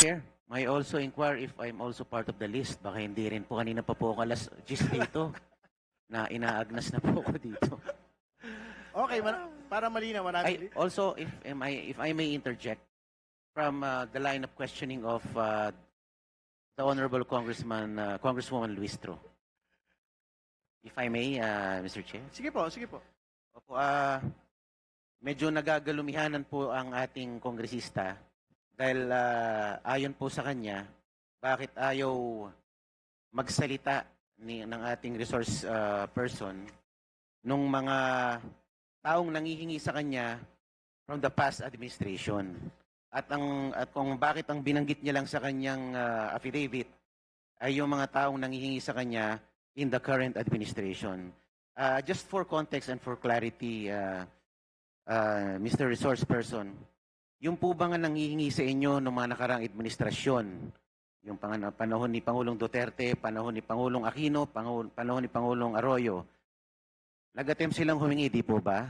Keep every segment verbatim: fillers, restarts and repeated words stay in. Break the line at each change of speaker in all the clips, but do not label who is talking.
Chair, may I also inquire if I'm also part of the list. Baka hindi rin po. Kanina pa po ako alas gis dito na inaagnas na po ako dito.
Okay, man, para malinaw,
I,
manatili.
also, if, am I, if I may interject from uh, the line of questioning of uh, the Honorable Congressman, uh, Congresswoman Luistro. If I may, uh, Mister Chair.
Sige po, sige po.
Opo, ah, medyo nagagalumihanan po ang ating kongresista dahil ah, ayon po sa kanya, bakit ayaw magsalita ni, ng ating resource ah, person nung mga taong nangihingi sa kanya from the past administration. At ang at kung bakit ang binanggit niya lang sa kanyang ah, affidavit ay yung mga taong nangihingi sa kanya in the current administration. Uh, just for context and for clarity, uh, uh, Mister Resource Person, yung po ba nga nangihingi sa inyo ng mga nakarang administrasyon, yung pang- panahon ni Pangulong Duterte, panahon ni Pangulong Aquino, panahon, panahon ni Pangulong Arroyo, nag-attempt silang humingi, di po ba?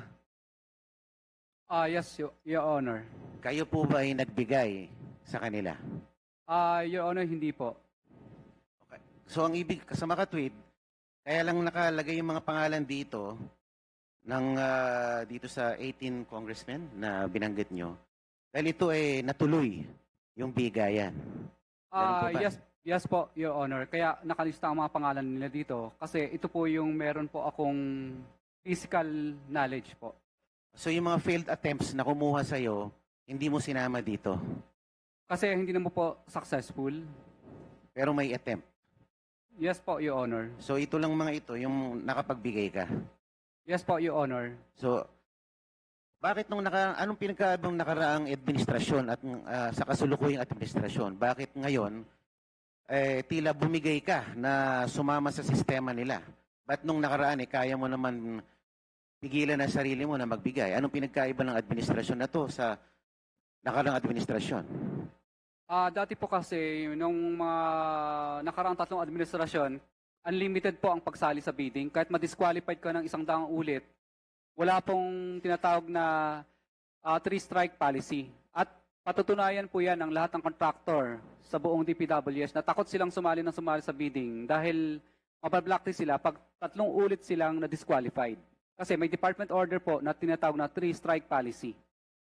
Ah, yes, Your, Your Honor.
Kayo po ba ay nagbigay sa kanila?
Ah, Your Honor, hindi po.
Okay. So ang ibig, sa makatwid, kaya lang nakalagay yung mga pangalan dito ng ah, dito sa eighteen congressmen na binanggit nyo. Dahil ito ay natuloy yung bigayan. Ganun po
Ah,
ba?
yes, yes po, Your Honor. Kaya nakalista ang mga pangalan nila dito kasi ito po yung meron po akong physical knowledge po.
So yung mga failed attempts na kumuha sa'yo, hindi mo sinama dito.
Kasi hindi naman po successful.
Pero may attempt.
Yes po, Your Honor.
So ito lang mga ito, yung nakapagbigay ka.
Yes po, Your Honor.
So, bakit nung naka, anong pinagkaibang nakaraang administrasyon at ah, sa kasulukuyang administrasyon, bakit ngayon eh, tila bumigay ka na sumama sa sistema nila? Ba't nung nakaraan eh, kaya mo naman pigilan ang sarili mo na magbigay? Anong pinagkaiba ng administrasyon na to sa nakaraang administrasyon?
Ah, dati po kasi nung mga nakaraang tatlong administrasyon, unlimited po ang pagsali sa bidding. Kahit ma-disqualified ka ng isang daang ulit, wala pong tinatawag na ah, three-strike policy. At patutunayan po yan ng lahat ng contractor sa buong D P W S na takot silang sumali ng sumali sa bidding dahil mabablocklist sila pag tatlong ulit silang na-disqualified. Kasi may department order po na tinatawag na three-strike policy.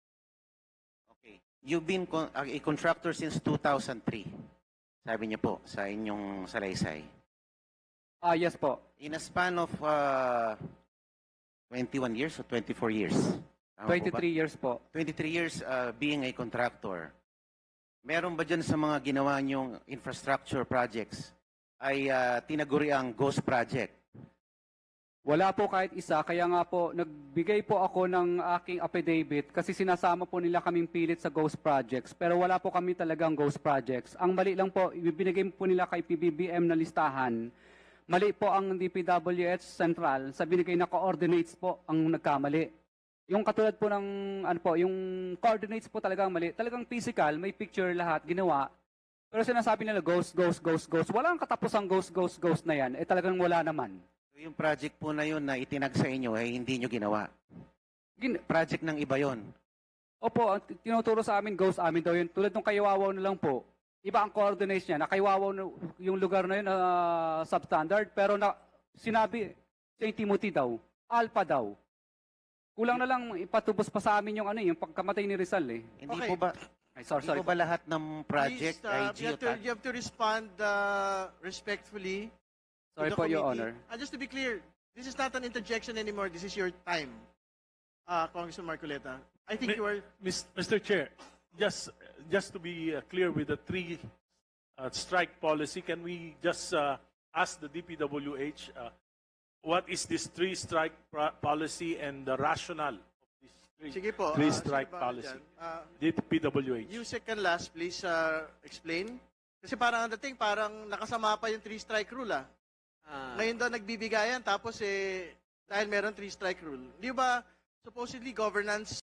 Okay. You've been con- a a contractor since two thousand three. Sabi niyo po sa inyong salaysay.
Ah, yes po.
In a span of uh, twenty-one years or twenty-four years? Tama po ba?
twenty-three years po.
twenty-three years uh, being a contractor. Meron ba dyan sa mga ginawa niyong infrastructure projects ay uh, tinaguri ang ghost project?
Wala po kahit isa, kaya nga po nagbigay po ako ng aking affidavit kasi sinasama po nila kaming pilit sa ghost projects pero wala po kami talagang ghost projects. Ang mali lang po, ibibigay po nila kay P B B M na listahan. Mali po ang D P W H Central sa binigay na coordinates po ang nagkamali. Yung katulad po ng ano po, yung coordinates po talagang mali. Talagang physical, may picture lahat ginawa. Pero sinasabi nila ghost, ghost, ghost, ghost. Wala ang katapusang ghost, ghost, ghost na yan. Eh talagang wala naman.
So, yung project po na yun na itinag sa inyo ay hindi nyo ginawa.
Gin-
Project ng iba yon.
Opo, ang t- tinuturo sa amin, ghost amin daw yun. Tulad ng Kaywawaw na lang po. Iba ang coordinates niya. Na Kaywawaw na, yung lugar na yun na substandard. Pero na, sinabi, Saint Timothy daw, Alpha daw. Kulang na lang ipatubos pa sa amin yung ano yung pagkamatay ni Rizal eh.
Hindi
Okay.
po ba
Ay, sorry,
hindi
sorry.
po ba lahat ng project
Please, uh,
ay
you, have to,
geotag?
you have to respond uh, respectfully. to
Sorry
the
po, Your
committee.
Honor.
Uh, just to be clear, this is not an interjection anymore. This is your time, uh, Congressman Marcoleta. I think
Mi-
you are...
Mis- Mister Chair, just just to be uh, clear with the three uh, strike policy, can we just uh, ask the D P W H uh, what is this three strike pro- policy and the rationale of this three,
Sige po.
three
uh,
strike
sige pa,
policy?
dyan. Uh,
D P W H.
you second last, please uh, explain. Kasi parang ang dating, parang nakasama pa yung three-strike rule ah. Ngayon daw nagbibigayan, tapos eh, dahil meron three-strike rule. Di ba, supposedly governance